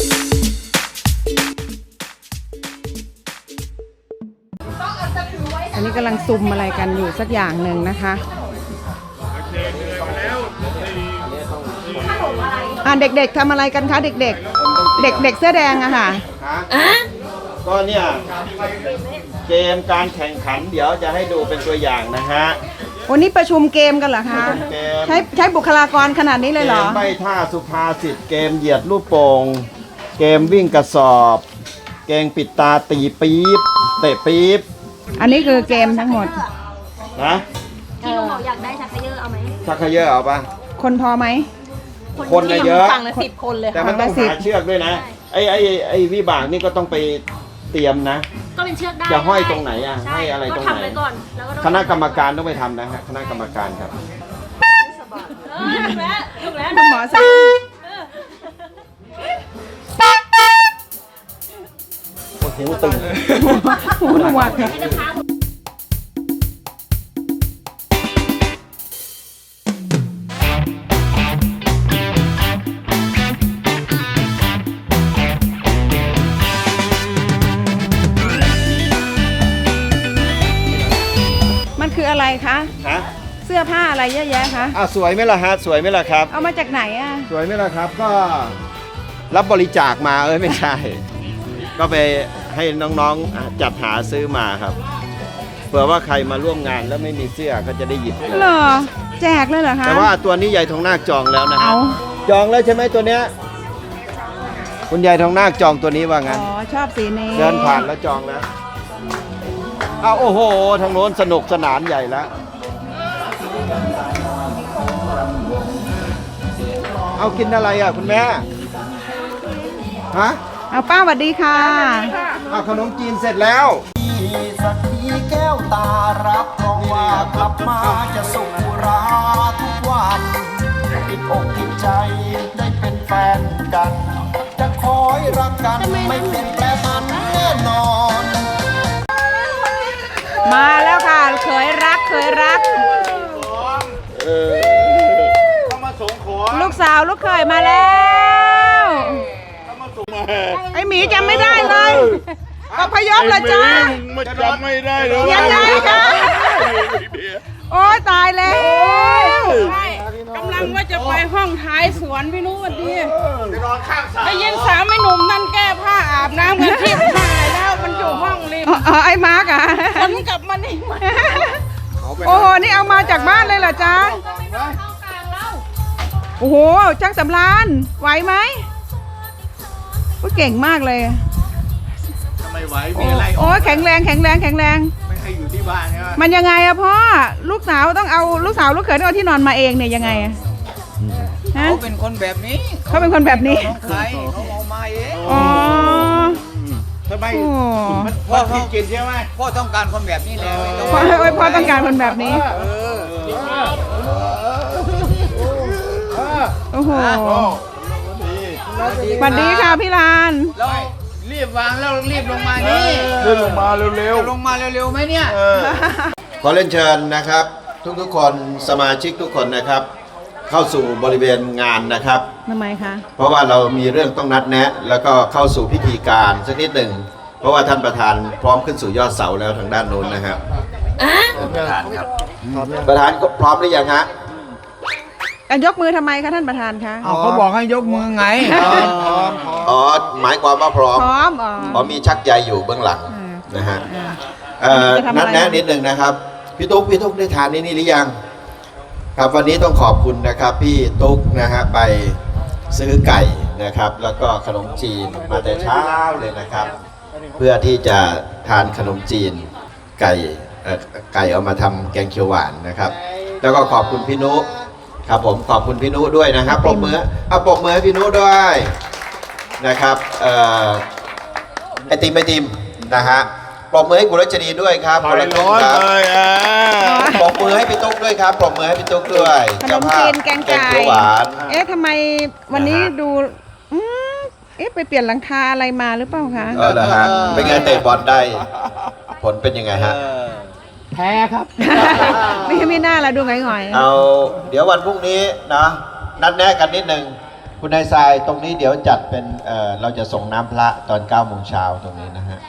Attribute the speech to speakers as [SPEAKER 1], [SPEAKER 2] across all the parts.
[SPEAKER 1] อันนี้กำลังซุ่มอะไรกันอยู่สักอย่างหนึ่งนะคะเด็กๆทำอะไรกันคะเด็กๆเด็กๆเสื้อแดงอะค่ะ
[SPEAKER 2] ก็เนี่ยเกมการแข่งขันเดี๋ยวจะให้ดูเป็นตัวอย่างนะฮะ
[SPEAKER 1] วันนี้ประชุมเกมกันเหรอคะใช้บุคลากรขนาดนี้เลยเหรอ
[SPEAKER 2] เกมใบ้ท่าสุภาษิตเกมเหยียดลูกโป่งเกมวิ่งกระสอบเกมปิดตาตีปี๊บเตะปี๊บ
[SPEAKER 1] อันนี้คือเกมทั้งหมด
[SPEAKER 2] นะ
[SPEAKER 3] ที่ลุงบอกอยากได้ชักเขย่อเอาไหม
[SPEAKER 2] ชักเขย่อเอาปะ
[SPEAKER 1] คนพอไหม
[SPEAKER 2] คนเยอะ
[SPEAKER 3] ฝั่งละ10 คนเลย
[SPEAKER 2] แต่มันต้องหาเชือกด้วยนะไอ้วิบากนี่ก็ต้องไปเตรียมนะ
[SPEAKER 3] ก็เป็นเชือกได้
[SPEAKER 2] จะห้อยตรงไหนอ่ะให้อะไรตรงไหนคณะกรรมการต้องไปทำนะฮะคณะกรรมการครับ
[SPEAKER 3] ถูกแล้ว
[SPEAKER 1] คุณหมอสั่ง
[SPEAKER 2] หูตึง
[SPEAKER 1] หูหนวกมันคืออะไรคะเสื้อผ้าอะไรเยอะแยะคะ
[SPEAKER 2] สวยไหมล่ะฮะสวยไหมล่ะครับ
[SPEAKER 1] เอามาจากไหนอ่ะ
[SPEAKER 2] สวยไหมล่ะครับก็รับบริจาคมาไม่ใช่ก็ไปให้น้องๆจัดหาซื้อมาครับเผื่อว่าใครมาร่วมงานแล้วไม่มีเสื้อก็จะได้หยิบเลย
[SPEAKER 1] เหรอแจกเลยเหรอคะ
[SPEAKER 2] แต่ว่าตัวนี้ยายทองนาคจองแล้วนะจองแล้วใช่ไหมตัวเนี้ยคุณยายทองนาคจองตัวนี้ว่างั้น
[SPEAKER 1] ชอบสีนี้
[SPEAKER 2] เดินผ่านแล้วจองแล้วโอ้โหทางโน้นสนุกสนานใหญ่แล้วเอากินอะไรอ่ะคุณแม่ฮะ
[SPEAKER 1] เอาป้าสวัสดีค่ะ
[SPEAKER 2] ขนมจีนเสร็จแล้ว
[SPEAKER 4] สักทีแก้วตารับรองว่ากลับมาจะสุขราทุกวันติดอกติดใจได้เป็นแฟนกันจะคอยรักกันไม่เปลี่ยนแปลงมันแน่นอน
[SPEAKER 1] มาแล้วค่ะเคยรักลูกสาวลูกเขยมาแล้วไอหมีจำไม่ได้เลยอพยพเหรอจ๊ะ
[SPEAKER 5] จำไม่ได้เลย
[SPEAKER 1] ยังไงคะโอ้ยตายแล้ว
[SPEAKER 6] กำลังว่าจะไปห้องท้ายสวนพี่นุ้วันดีได้ยินสามไอ้หนุ่มนั่นแก้ผ้าอาบน้ำกันที่ถ่ายแล้วมันอยู่ห้องริม
[SPEAKER 1] ไอ้มาร์กอ่ะ
[SPEAKER 6] คนกลับมานี่
[SPEAKER 1] โอ้โหนี่เอามาจากบ้านเลยเหรอจ๊ะโอ้โหช่างสำราญไหวไหมเก่งมากเลย
[SPEAKER 5] ทำไมไหวมีอะไร
[SPEAKER 1] โอ้แข็งแรงไม่
[SPEAKER 5] ให้อยู่ที่บ้านใช่ไหม
[SPEAKER 1] มันยังไงอะพ่อลูกสาวต้องเอาลูกสาวลูกเขยต้องเอาที่นอนมาเองเนี่ยยังไง
[SPEAKER 5] เขาเป็นคนแบบนี้
[SPEAKER 1] เขาเป็นคนแบบนี้
[SPEAKER 5] ใครเขาเอามาเอง
[SPEAKER 1] อ๋อ
[SPEAKER 5] ทำไมพ่อเขากินใช่ไหมพ่อต้องการคนแบบนี้เลย
[SPEAKER 1] พ่อต้องการคนแบบนี้โอ้โหสวัสดีค่ะพี่ลาน
[SPEAKER 5] เรารีบวางแล้วรีบลงมานี่
[SPEAKER 2] ลงมาเร็ว
[SPEAKER 5] ลงมาเร็วๆไหมเนี่ย
[SPEAKER 2] ขอเรียนเชิญนะครับทุกคนสมาชิกทุกคนนะครับเข้าสู่บริเวณงานนะครับ
[SPEAKER 1] ทำไมคะ
[SPEAKER 2] เพราะว่าเรามีเรื่องต้องนัดแนะแล้วก็เข้าสู่พิธีการสักนิดหนึ่งเพราะว่าท่านประธานพร้อมขึ้นสู่ยอดเสาแล้วทางด้านโน้นนะครับประธานครับประธานก็พร้อมหรือยังฮะ
[SPEAKER 1] ยกมือทำไมคะท่านประธานคะ
[SPEAKER 5] เขาบอกให้ยกมือไง
[SPEAKER 2] หมายความว่าพร้อมมีชักใยอยู่เบื้องหลังนะฮะนัดแนะนิดหนึ่งนะครับพี่ตุ๊กได้ทานนี่หรือยังครับวันนี้ต้องขอบคุณนะครับพี่ตุ๊กนะฮะไปซื้อไก่นะครับแล้วก็ขนมจีนมาแต่เช้าเลยนะครับเพื่อที่จะทานขนมจีนไก่เอามาทำแกงเขียวหวานนะครับแล้วก็ขอบคุณพี่นุครับผมขอบคุณพี่นุด้วยนะครับปรบมือให้พี่นุด้วยนะครับไอติมนะฮะปรบมือให้กุลชนีด้วยครับ
[SPEAKER 5] คนละร้อนเลย
[SPEAKER 2] ปรบมือให้พี่ตุ๊กด้วยครับปรบมือให้พี่ตุ๊กด้วย
[SPEAKER 1] ขนมจีนแกงไก่
[SPEAKER 2] หวาน
[SPEAKER 1] ทำไมวันนี้ดูไปเปลี่ยนหลังคาอะไรมาหรือเปล่าคะ
[SPEAKER 2] เหรอฮะเป็นไงเตะบอลได้ผลเป็นยังไงฮะ
[SPEAKER 6] แพ้ครับ
[SPEAKER 1] ไม่น่าละดูหงอย
[SPEAKER 2] เอาเดี๋ยววันพรุ่งนี้นะนัดแนะกันนิดนึงคุณนายทรายตรงนี้เดี๋ยวจัดเป็นเราจะส่งน้ำพระตอน9 โมงเช้าตรงนี้นะฮะ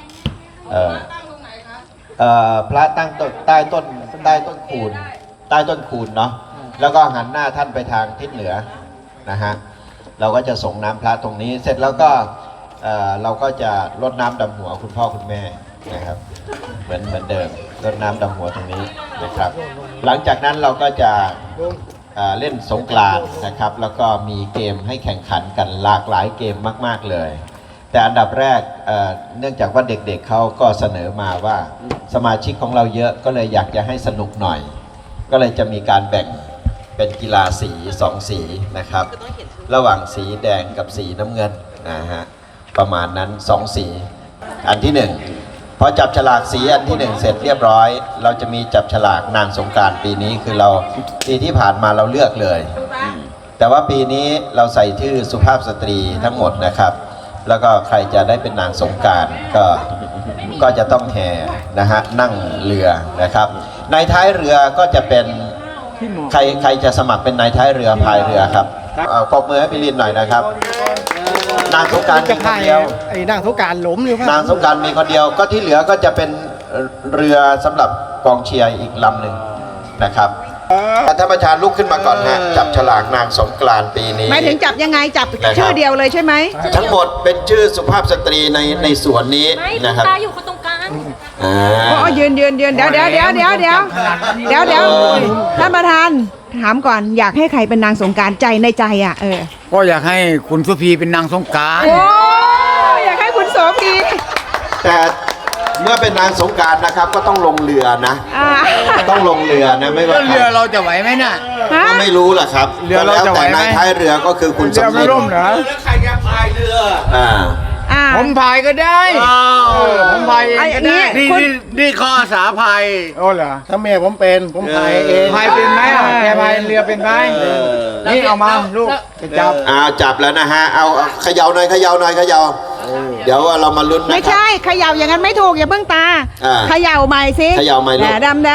[SPEAKER 2] พระตั้งต้นใต้ต้นคูณเนาะแล้วก็หันหน้าท่านไปทางทิศเหนือนะฮะเราก็จะส่งน้ำพระตรงนี้เสร็จแล้วก็เราก็จะรดน้ำดำหัวคุณพ่อคุณแม่นะครับเหมือนเดิมรดน้ำดำหัวตรงนี้นะครับหลังจากนั้นเราก็จะเล่นสงกรานต์นะครับแล้วก็มีเกมให้แข่งขันกันหลากหลายเกมมากๆเลยแต่อันดับแรกเนื่องจากว่าเด็กๆเขาก็เสนอมาว่าสมาชิกของเราเยอะก็เลยอยากจะให้สนุกหน่อยก็เลยจะมีการแบ่งเป็นกีฬาสี2สีนะครับระหว่างสีแดงกับสีน้ำเงินนะฮะประมาณนั้น2สีอันที่1พอจับฉลากสีอันที่1เสร็จเรียบร้อยเราจะมีจับฉลากนางสงกรานต์ปีนี้คือเราปีที่ผ่านมาเราเลือกเลยแต่ว่าปีนี้เราใส่ชื่อสุภาพสตรีทั้งหมดนะครับแล้วก็ใครจะได้เป็นนางสงกรานต์ก็จะต้องแห่นะฮะนั่งเรือนะครับในท้ายเรือก็จะเป็นใครจะสมัครเป็นนายท้ายเรือพายเรือครับปรบมือให้พี่ลินหน่อยนะครับนางสงกรานต์มีคนเดียว
[SPEAKER 7] ไอ้นางสงกรานต์หล้มอยู่ครับ
[SPEAKER 2] นางสงกรานต์มีคนเดียวก็ที่เหลือก็จะเป็นเรือสำหรับกองเชียร์อีกลำหนึ่งนะครับท่านประธานลุกขึ้นมาก่อนฮะจับฉลากนางสงกรานต์ปีนี้
[SPEAKER 1] หมายถึงจับยังไงจับ
[SPEAKER 2] นะครับ
[SPEAKER 1] ชื่อเดียวเลยใช่ไหม
[SPEAKER 2] ทั้งหมดเป็นชื่อสุภาพสตรีในสวนนี้
[SPEAKER 3] ไม่
[SPEAKER 2] นะครับ
[SPEAKER 3] ตาอยู่คนตรงกลาง
[SPEAKER 1] อ๋อยืนเดี๋ยวท่านประธานถามก่อนอยากให้ใครเป็นนางสงกรานต์ใจในใจอ่ะ
[SPEAKER 5] ก็อยากให้คุณสุพีเป็นนางสงกรานต์
[SPEAKER 1] โอ้อยากให้คุณโสพี
[SPEAKER 2] แต่เมื่อเป็นนางสงกรานต์นะครับก็ต้องลงเรือนะ ต้องลงเรือนะไม่ว่า
[SPEAKER 5] เรือเราจะไหวไหมน่ะ
[SPEAKER 2] ก็ไม่รู้แหละครับ
[SPEAKER 5] เรือเราจะไหวไหม
[SPEAKER 2] แต่นายท้ายเรือก็คือคุณ
[SPEAKER 5] เรือ
[SPEAKER 2] สำ
[SPEAKER 5] ไม่
[SPEAKER 2] ลิด
[SPEAKER 5] ร่มเหรอ ผมพายก็ได้ผมพายเองก็ได้นี่ข้ออาสาพาย
[SPEAKER 7] โอ้เหรอถ้าแม่ผมเป็นผมพายเอง
[SPEAKER 5] พายเป็นไหมแกพายเรือเป็นไหมนี่เอามาลูกจะจับ
[SPEAKER 2] จับแล้วนะฮะเอาเขย่าหน่อยเดี๋ยวเรามาลุ้นนะ
[SPEAKER 1] ไม่
[SPEAKER 2] ครับ
[SPEAKER 1] ใช่เขย่าอย่างนั้นไม่ถูกอย่าเพิ่งตาเขย่าใหม่สิ
[SPEAKER 2] เขย่าใหม่ลูก
[SPEAKER 1] แดดำ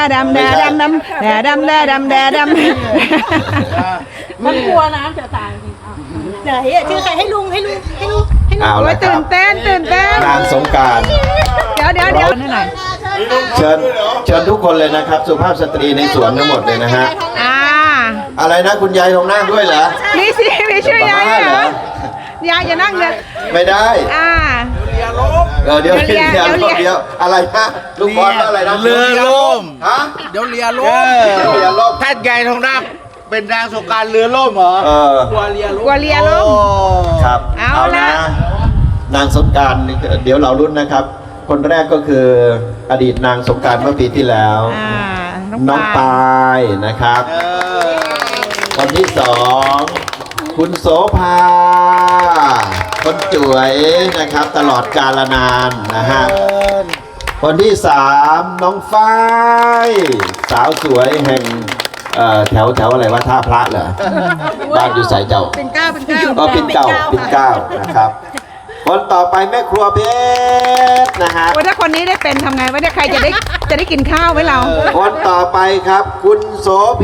[SPEAKER 3] มันกลัวน้ำจะตายไหนชื่อใครให้ลุง
[SPEAKER 2] เอา
[SPEAKER 1] โอ้
[SPEAKER 2] ละ
[SPEAKER 1] ย
[SPEAKER 2] ค
[SPEAKER 1] ตื่
[SPEAKER 2] รั
[SPEAKER 1] น
[SPEAKER 2] บ
[SPEAKER 1] เต้น
[SPEAKER 2] นางสงกรานต์
[SPEAKER 1] เดี๋ยวให้หน่อย
[SPEAKER 2] เชิญทุกคนเลยนะครับ สุภาพสตรีในสวนทั้งหมดเลยนะฮะ อะไรนะคุณยายทองนั่งด้วยเหรอ
[SPEAKER 1] นี่สิมีชื่อยาย
[SPEAKER 2] บ้า
[SPEAKER 1] เห
[SPEAKER 2] เห
[SPEAKER 1] ร
[SPEAKER 2] ร
[SPEAKER 1] อ
[SPEAKER 2] อ
[SPEAKER 1] ยายอย่านั่งเลย
[SPEAKER 2] ไม่ได้ เดี๋ยว
[SPEAKER 1] เรือ
[SPEAKER 2] อะไรนะลูกบอลว่าอะไรนะ
[SPEAKER 5] เรือล่ม
[SPEAKER 2] ฮะ
[SPEAKER 5] เดี๋ยวเรือล่ม
[SPEAKER 2] เรือล่ม
[SPEAKER 5] ท่านใหญ่ทองนักเป็นนางสงกรานต์เรือล่มเหรอ
[SPEAKER 1] กลัวเรือล่ม
[SPEAKER 2] ครับ
[SPEAKER 1] เอาละ
[SPEAKER 2] นางสงกรานต์เดี๋ยวเรารุ่นนะครับ คนแรกก็คืออดีตนางสงกรานต์เมื่อปีที่แล้ว น้องปายนะครับ คนที่สองคุณโสภาคนจ่วยนะครับตลอดกาลนานนะฮะคนที่สามน้องฝ้ายสาวสวยแห่งแถวอะไรว่าท่าพระเหรอบ้านอยู่สายเจ้าเป็นเก้าก็เป็นเก้านะครับคนต่อไปแม่ครัวเพชรนะฮะ
[SPEAKER 1] ว่าถ้าคนนี้ได้เป็นทำไงว่าใครจะได้กินข้าวไหมเรา
[SPEAKER 2] คนต่อไปครับคุณโสพี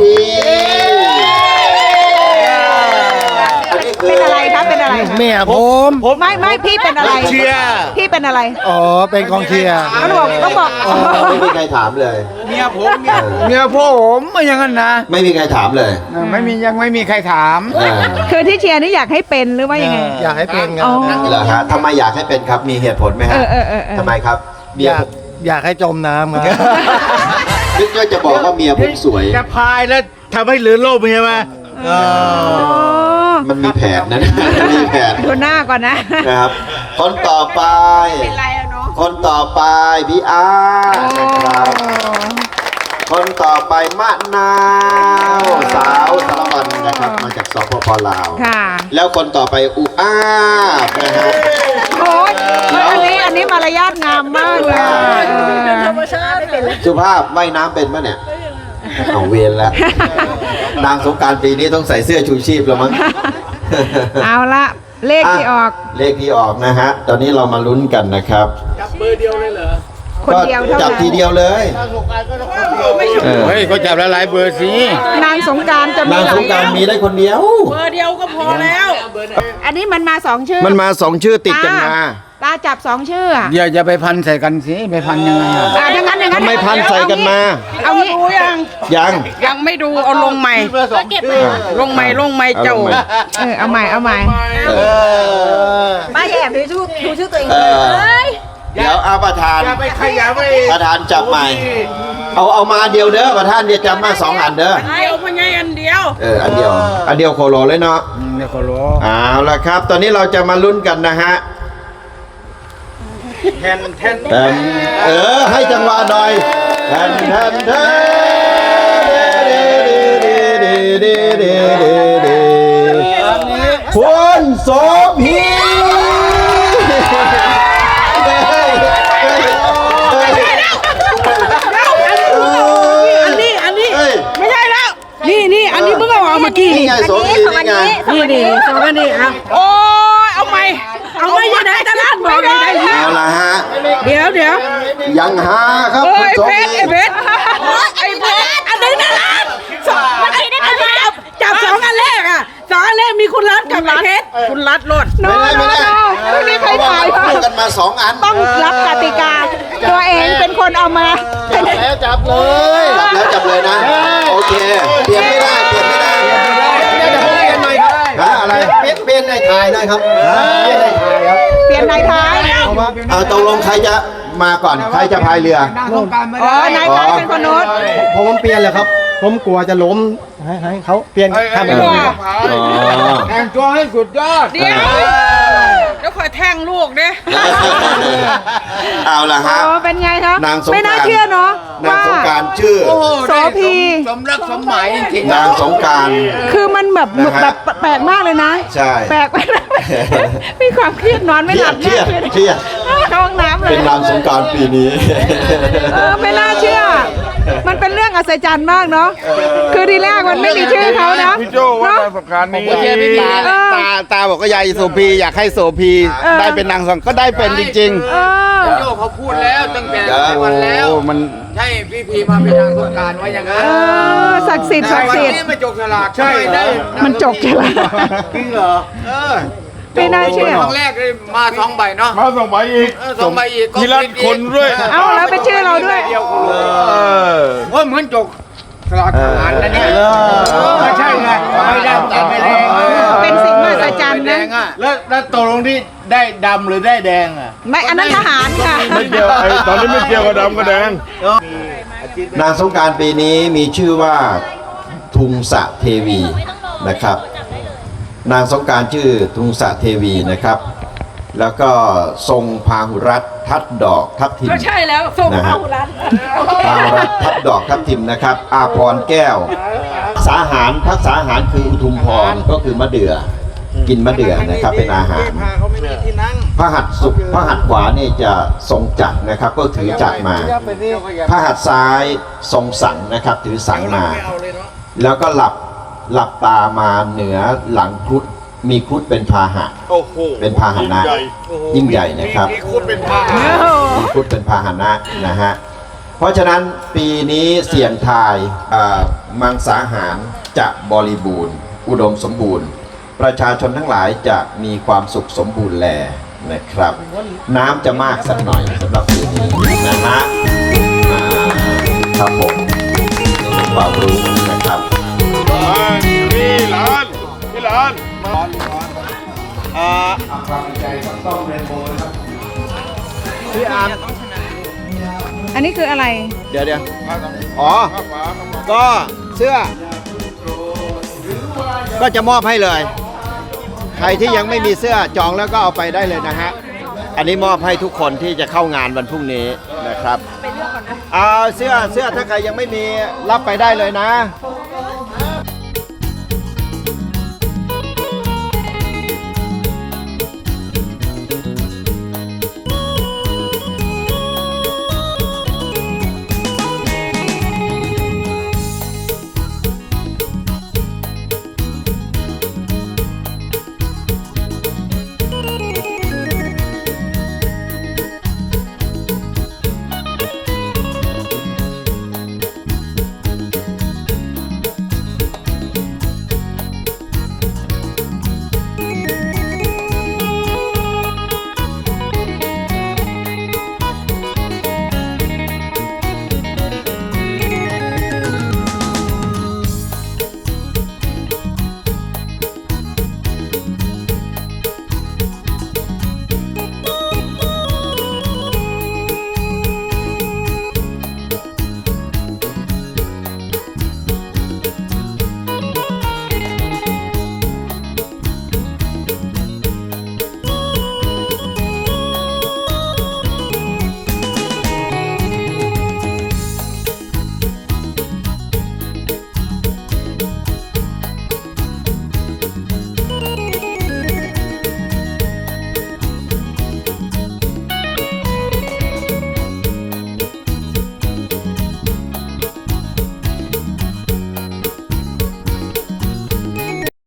[SPEAKER 2] อันนี้คือ
[SPEAKER 1] เป็นอะไรครับเป็นอะไร
[SPEAKER 7] แม่ผม
[SPEAKER 1] ไม่พี่เป็นอะไร
[SPEAKER 5] เชียร์
[SPEAKER 1] พี่เป็นอะไร
[SPEAKER 7] อ๋อเป็นกองเชียร์
[SPEAKER 1] ต้องบอก
[SPEAKER 2] ไม่มีใครถามเลย
[SPEAKER 5] เมียผมไม่อย่างนั้นนะ
[SPEAKER 2] ไม่มีใครถามเลย
[SPEAKER 5] ยังไม่มีใครถาม
[SPEAKER 1] คือที่เชียร์นี่อยากให้เป็นหรือว่ายังไง
[SPEAKER 7] อยากให้เป็นค
[SPEAKER 1] อ๋
[SPEAKER 7] รั
[SPEAKER 1] อ
[SPEAKER 7] บ
[SPEAKER 2] เหรอฮะทำไมอยากให้เป็นครับ มีเหตุผลไหมฮะ ทำไมครับ เมีย
[SPEAKER 7] อยากให้จมน้ำครับ
[SPEAKER 2] นึกว่าจะบอกว่าเมียผมสวย
[SPEAKER 5] จะพายแล้วทำให้เรือล่มใช่ไหม
[SPEAKER 2] มันมีแผนนะ มีแผน
[SPEAKER 1] ดูหน้าก่อนนะ
[SPEAKER 2] นะครับ คนต่อไป คนต่อไปพี่อาร์นะครับ คนต่อไปมะนาวสาวสารวันนะครับมาจากสปปลาว
[SPEAKER 1] ค่ะ
[SPEAKER 2] แล้วคนต่อไปอุอาบนะฮะ
[SPEAKER 1] โอ้ยอันนี้มารยาทงามมากเลย
[SPEAKER 2] สุภาพว่ายน้ำเป็นปะเนี่ยเอาเวียนแล้ว นางสงกรานต์ปีนี้ต้องใส่เสื้อชูชีพแล้วมั้ง
[SPEAKER 1] เอาละเลขที่ออก
[SPEAKER 2] เลขที่ออกนะฮะ ตอนนี้เรามาลุ้นกันนะครับ
[SPEAKER 5] จับเบอร์เดียวเลยเหรอ
[SPEAKER 1] คนเดียวเท่านั้น
[SPEAKER 2] จับทีเดียวเลย
[SPEAKER 5] เฮ้ยเขาจับหลายๆเบอร์สิ
[SPEAKER 1] นางสงกรารจะมี
[SPEAKER 2] นาง
[SPEAKER 1] หลา
[SPEAKER 2] ส
[SPEAKER 1] ย
[SPEAKER 2] งกรารมีได้คนเดียว
[SPEAKER 6] เบอร์เดียวก็พอแล้ว
[SPEAKER 1] อันนี้มันมาสองชื่อ
[SPEAKER 2] มันมาสองชื่อติดกันมา
[SPEAKER 1] ตาจับสองชื่ออะ
[SPEAKER 5] อย่าไปพันใส่กันสิไปพันยังไงอ่ะ
[SPEAKER 1] อย่างนั้น
[SPEAKER 2] ทำไมพันใส่กันมา
[SPEAKER 1] เอางี้
[SPEAKER 6] ดูยัง
[SPEAKER 2] ยัง
[SPEAKER 6] ยังไม่ดูเอาลงใหม่ลงใหม่เจ้า
[SPEAKER 1] เอาใหม่
[SPEAKER 3] ป้าอย่าแอบดูชื่อตัวเอง
[SPEAKER 2] เออเดี๋ยวเอาประธาน
[SPEAKER 5] อย่าไปขยับไป
[SPEAKER 2] ประธานจับใหม่ เอามาเดียวเด้อประธานเดี๋ยวจับมา2 อันเด้อ
[SPEAKER 6] เดียวพญายอันเดียว
[SPEAKER 2] อันเดียวโคโลเลยเนาะ
[SPEAKER 5] เนี่ยเขาล้อ
[SPEAKER 2] เอาละครับ ตอนนี้เราจะมาลุ้นกันนะฮะ
[SPEAKER 5] แทน
[SPEAKER 2] ให้จังหวะหน่อยแทนคุณโสพี
[SPEAKER 6] อันนี้ไม่ใช่แล้วนี่อันนี้เพิ่งเอาออกเมื่อกี้
[SPEAKER 2] นี่ไงโสพีนี่ไง
[SPEAKER 6] นี่สองอันนี้อ่ะโอ้ยเอาไม่ยังไงตลาดบอกยังไง
[SPEAKER 2] เอาละฮะ
[SPEAKER 6] เดี๋ยว
[SPEAKER 2] ยังหาครับ
[SPEAKER 6] โอ้
[SPEAKER 2] คุณ
[SPEAKER 6] ย
[SPEAKER 2] โส
[SPEAKER 6] เพ
[SPEAKER 2] พี
[SPEAKER 6] ชรไอ้เพชรอันนี้ตลาดอันนี้จับสองอันแรกอ่ะสองอันแรกมีคุณรัฐกับไอ้เพชรคุณรัฐรถ
[SPEAKER 1] โน
[SPEAKER 2] ไม่ได้
[SPEAKER 1] ไม่มีใครถ่าย
[SPEAKER 2] เพราะว่าเราพูดกันมา2 อัน
[SPEAKER 1] ต้องรับกติกา ตัวเองเป็นคนเอามา
[SPEAKER 7] แล้วจับเลย
[SPEAKER 2] จับเลยนะ โอเค เปลี่ยนไม่ได้
[SPEAKER 7] เดี๋ยวผมเปลี่ยนหน่อยครับ
[SPEAKER 2] อะไร
[SPEAKER 7] เปลี่ยนในถ่ายหน่อยครับเปลี่ยนในถ่ายครับ
[SPEAKER 1] เปลี่ยนนายท้าย
[SPEAKER 7] เอามา
[SPEAKER 2] เอาตกลงใครจะมาก่อน ใครจะพายเรือ
[SPEAKER 1] อ๋อนายท้ายเป็นคนโน้น
[SPEAKER 7] ผมเปลี่ยนเลยครับ ผมกลัวจะล้มให้เขาเปลี่ยนทำแบบนี้ครับ
[SPEAKER 5] แต่งตัวให้สุดยอด
[SPEAKER 6] เดี๋ยวคอยแทงลูกเด้
[SPEAKER 2] เอาละฮะ
[SPEAKER 1] อ๋อเป็นไงคะ
[SPEAKER 2] นางสงกรานต์
[SPEAKER 1] ไม่น่าเชื่อเนาะ
[SPEAKER 2] นาง
[SPEAKER 1] ว่า
[SPEAKER 2] สงกรารชื่อ
[SPEAKER 1] โสพี
[SPEAKER 5] สมรักสมหมายจริง
[SPEAKER 2] นางสงกราร
[SPEAKER 1] คือมันแบบ
[SPEAKER 2] นะฮะ
[SPEAKER 1] แบบแปลกมากเลยนะ
[SPEAKER 2] ใช่
[SPEAKER 1] แปลกไปมีความเครียดนอนไม่หลับ
[SPEAKER 2] เครียด
[SPEAKER 1] เครียดเข้าห้องน้ำเลย
[SPEAKER 2] เป็นนางสงกรารปีนี้
[SPEAKER 1] ไม่น่าเชื่อ มันเป็นเรื่องอัศจรรย์มากเนาะ คือทีแรกมันไม่มีชื่อเขานะ
[SPEAKER 5] พี่โจ้ว่า
[SPEAKER 1] เนาะ
[SPEAKER 5] ประการนี้
[SPEAKER 7] ผมเชียร์พี่ตาบอกก็ยายโสพีอยากให้โสพีได้เป็นนางสงก็ได้เป็นจริง
[SPEAKER 1] เออ
[SPEAKER 5] โจ้เขาพูดแล้วตั้งแต่
[SPEAKER 7] ๆ
[SPEAKER 5] วันแล้ว
[SPEAKER 7] มัน
[SPEAKER 5] ใช่พี่พีมาเป็นนางสงกรารว่าอย่างนั้น
[SPEAKER 1] ศักดิ์สิทธิ์ศักดิ์
[SPEAKER 5] วัน
[SPEAKER 1] สิทธิ์
[SPEAKER 5] นี้มาจกฉลากใช่ได้
[SPEAKER 1] มันจกใช่ไหม
[SPEAKER 5] จริงเหรอ
[SPEAKER 1] ไม่น่าเชื่อ
[SPEAKER 5] ครั้งแรกเลยมา2 ใบเนาะ
[SPEAKER 8] มาส่งไปอีก
[SPEAKER 5] 2 ใบอีก
[SPEAKER 8] ทีละคนด้วย
[SPEAKER 1] เอาแล้วเป็นชื่อเราด้วย
[SPEAKER 5] เดียวคุณว่าเหมือนจกฉลากทหารนะเนี่ยไม่ใช่ไงไม่ได้ตัดไม่แดง
[SPEAKER 1] เป็นสิ่งมหัศจรรย์นะ
[SPEAKER 8] แล้วตกลงที่ได้ดำหรือได้แดงอ่ะ
[SPEAKER 1] ไม่อันนั้นทหารค่ะ
[SPEAKER 8] ไม่เกี่ยวตอนนี้ไม่เกี่ยวกับดำกับแดง
[SPEAKER 2] นางสงกรารปีนี้มีชื่อว่าทุงสะเทวีนะครับ นางสงกรารชื่อทุงสะเทวีนะครับ แล้วก็ทรงพาหุรัตน์ทัดดอกทับทิม
[SPEAKER 6] ก็ใช่แล้วส่ง
[SPEAKER 2] นะฮะ
[SPEAKER 6] เข้าร้าน
[SPEAKER 2] พาหุรัตน์ทัดดอกทับทิมนะครับ อาพรแก้ว สาหารพักษาหารคืออุทุมพรก็คือมะเดื่อ กินมะเดื่อนะครับเป็นอาหาร
[SPEAKER 5] เขาไม่มีที่นั่ง
[SPEAKER 2] พระหัตถ์สุพระหัตถ์ขวานี่จะทรงจักรนะครับ ก็ถือจักรมา พระหัตถ์ซ้ายทรงสังนะครับ ถือสังมา แล้วก็หลับตามาเหนือหลังครุฑมีครุฑเป็นพาหะ
[SPEAKER 8] โอ้โห
[SPEAKER 2] เป็นพาหนะยิ่งใหญ่นะครับ
[SPEAKER 8] มีคุณเป็นพา
[SPEAKER 2] มีครุฑเป็นพาหนะนะฮะเพราะฉะนั้นปีนี้เสี่ยงทายมังสาหารจะบริบูรณ์ อุดมสมบูรณ์ ประชาชนทั้งหลายจะมีความสุขสมบูรณ์แลนะครับ น้ำจะมากสักหน่อยสำหรับปีนี้นะฮะครับผมเป็นความรู้นะครับ
[SPEAKER 8] พี่หลาน
[SPEAKER 1] อันนี้คืออะไร
[SPEAKER 7] เดี๋ยวอ๋อ ก็เสื้อ ก็จะมอบให้เลย ใครที่ยังไม่มีเสื้อจองแล้วก็เอาไปได้เลยนะฮะ อันนี้มอบให้ทุกคนที่จะเข้างานวันพรุ่งนี้นะครับเอาเสื้อถ้าใครยังไม่มีรับไปได้เลยนะ